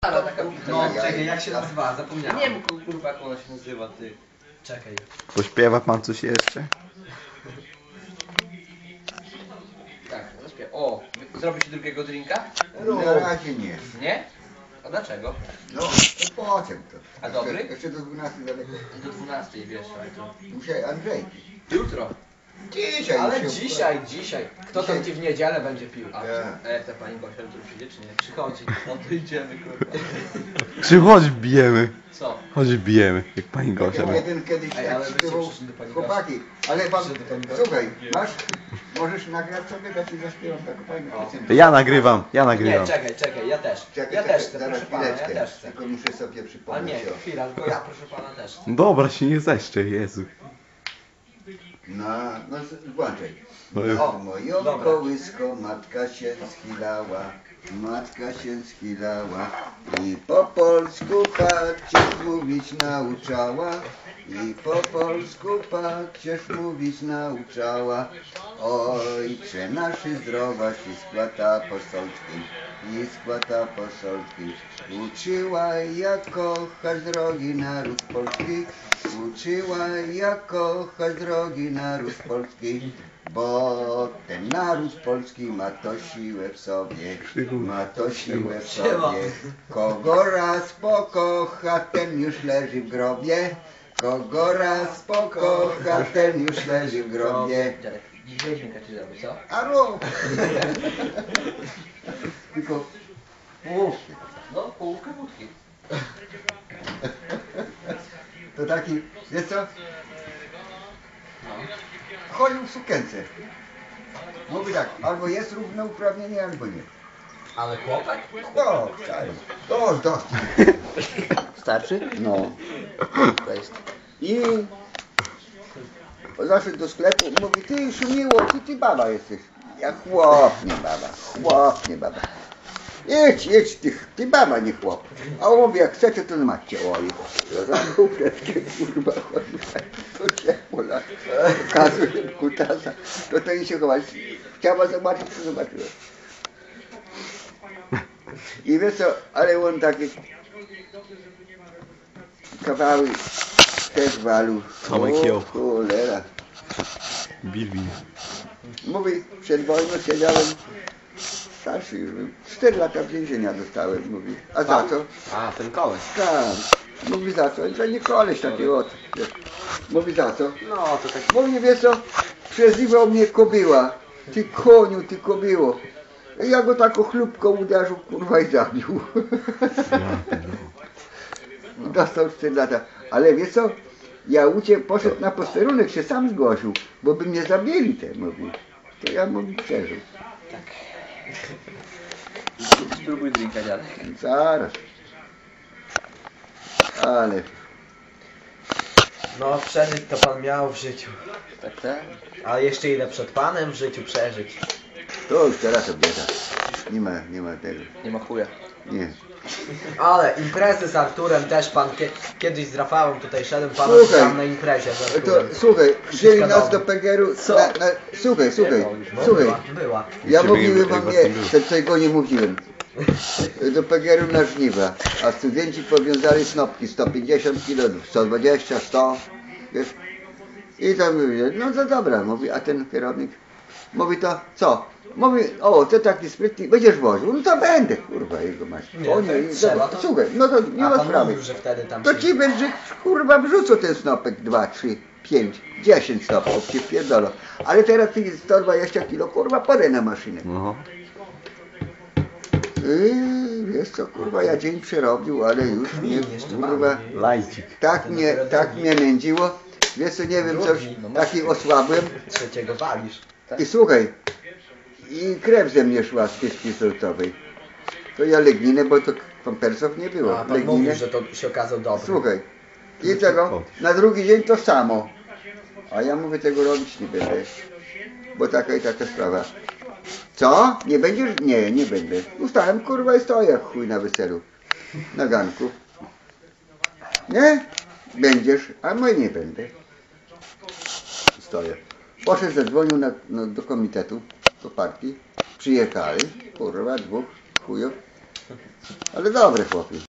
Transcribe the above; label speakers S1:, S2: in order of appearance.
S1: Ale taka
S2: No, czekaj, jak się nazywa? Zapomniałem.
S1: Nie wiem kurwa jak ona się nazywa, ty.
S2: Czekaj.
S3: Pośpiewa pan coś jeszcze?
S1: Tak, zaśpiew. O, zrobisz drugiego drinka?
S4: Na razie nie.
S1: Nie? A dlaczego?
S4: No, to potem to.
S1: A dobry?
S4: Jeszcze do 12 daleko.
S1: Do 12 wiesz, ale to...
S4: Muszę Andrzej.
S1: Jutro.
S4: Dzisiaj
S2: Ale
S4: się-
S2: dzisiaj. Kto tam ci w niedzielę będzie pił?
S1: A, ta pani Gosia jutro przyjdzie czy nie? Przychodzi. No to idziemy kurwa.
S3: Czy chodź bijemy?
S1: Co?
S3: Chodź bijemy, jak pani Gosia.
S4: Jeden kiedyś
S1: Ej,
S4: tak
S1: ale byście
S4: śpiewał,
S1: przyszli do pani
S4: chłopaki, ale pan,
S1: Przyszli do pani Gosi.
S4: słuchaj, możesz nagrać sobie, ja ci zaśpiewam taką fajną piosenkę.
S3: Ja nagrywam.
S2: Nie, czekaj, ja też. Ja też chcę,
S4: zaraz
S2: proszę pana, ja
S4: chwileczkę,
S2: też chcę.
S4: tylko muszę sobie
S2: A
S4: przypomnieć
S2: nie,
S4: o...
S2: chwila, tylko ja proszę pana też chcę.
S3: Dobra, się nie zeszczę, Jezu.
S4: No włączaj.
S3: No już.
S4: Na moją
S2: Dobra.
S4: kołysko matka się schylała i po polsku pacierz mówić nauczała. I po polsku pacierz mówić nauczała. Ojcze naszy zdrowaś i skłata posolski. Uczyła jak kochać drogi naród polski. Uczyła jak kochać drogi naród polski. Bo ten naród polski ma to siłę w sobie. Kogo raz pokocha, ten już leży w grobie. Kogo raz pokocha, ten już leży w grobie.
S1: Dziadek, weźmie ci zrobić, co?
S4: Aro! Tylko połówki.
S1: No, połówkę wódki.
S4: To taki, wiesz co? Chodził w sukience. Mówi tak, albo jest równouprawnienie, albo nie.
S2: Ale chłopak?
S4: No, wcale. Dość.
S1: Starczy?
S4: No.
S1: To jest.
S4: I zaszedł do sklepu, mówi, ty Szumiło, ty baba jesteś. Ja chłop, nie baba. Jedź, ty baba, nie chłop. A on mówi, jak chcecie, to macie. Oj, zamknął fretkę, kurwa, to się pola. Pokazuje kutasa. To i się chować. Chciała zobaczyć, co zobaczyła. I wiesz co, ale on takie kawały też walu.
S3: Tomek
S4: O,
S3: jął.
S4: cholera.
S3: Bilbin.
S4: Mówi, przed wojną siedziałem, starszy już był, 4 lata więzienia dostałem, mówi. A za co?
S2: A, ten koleś.
S4: Tak. Mówi za co? To nie koleś taki od. Mówi za co?
S2: No, to tak...
S4: Mówi, wiesz co, przezywał mnie kobyła. Ty koniu, ty kobyło. Ja go tak chlubko uderzył, kurwa, i zabił. Dostał 4 lata. Ale wiesz co? Ja poszedł na posterunek, się sam zgłosił, bo by mnie zabili te, mówi. To ja mówi przeżył.
S1: Spróbuj drinka, dziadek.
S4: Zaraz. Ale
S2: No, przeżyć to pan miał w życiu.
S1: Tak.
S2: A jeszcze ile przed panem w życiu przeżyć?
S4: to już teraz obieda. Nie ma tego.
S1: Nie ma chuja.
S4: Nie.
S2: Ale imprezy z Arturem też pan kiedyś z Rafałem tutaj szedłem, pan
S4: Słuchaj,
S2: tam na imprezie z
S4: To
S2: Arturem.
S4: słuchaj, wzięli nas
S2: dobrze.
S4: do PGR-u.
S2: Co?
S4: Słuchaj.
S2: No,
S4: Słuchaj.
S2: była.
S4: Ja
S3: Ciebie
S4: mówiłem
S3: nie-
S4: wam,
S3: was nie
S4: nie,
S3: było.
S4: tego nie mówiłem. Do PGR-u na żniwa, a studenci powiązali snopki 150 kg, 120, 100, wiesz. I tam mówię, no to dobra, mówi, a ten kierownik mówi to, co? Mówi, o, ty taki sprytny, będziesz woził, no to będę, kurwa, jego masz.
S2: Nie,
S4: O
S2: to jak trzeba, to-
S4: słuchaj, no to nie
S2: A
S4: ma
S2: pan
S4: sprawy.
S2: mówił, że wtedy tam
S4: To
S2: się...
S4: ci będzie, kurwa, wrzucą ten snopek 2, 3, 5, 10 snopków, ci wpierdolą. Ale teraz ty 120 kg, kurwa, podaj na maszynę.
S3: No.
S4: Wiesz co, kurwa, ja dzień przerobił, ale już mnie,
S2: jeszcze
S4: kurwa,
S2: mamy.
S3: Lajcik.
S4: tak mnie nędziło. Wiesz co, nie wiem, coś,
S2: Drugi, no masz-
S4: taki osłabłem.
S2: Trzeciego walisz.
S4: I słuchaj, i krew ze mnie szła z kieszki solcowej. To ja legninę, bo to pampersów nie było.
S2: A pan
S4: Legninę.
S2: mówił, że to się okazał dobry.
S4: Słuchaj, i tego, na drugi dzień to samo. A ja mówię, tego robić nie będę, bo taka i taka sprawa. Co? Nie będziesz? Nie, nie będę. Ustałem, kurwa, i stoję jak chuj na weselu. Na ganku. Nie? Będziesz, a my nie będę. Stoję. Poszedł, zadzwonił do komitetu, do partii. Przyjechali, kurwa, 2 chujów. Ale dobry chłopiec.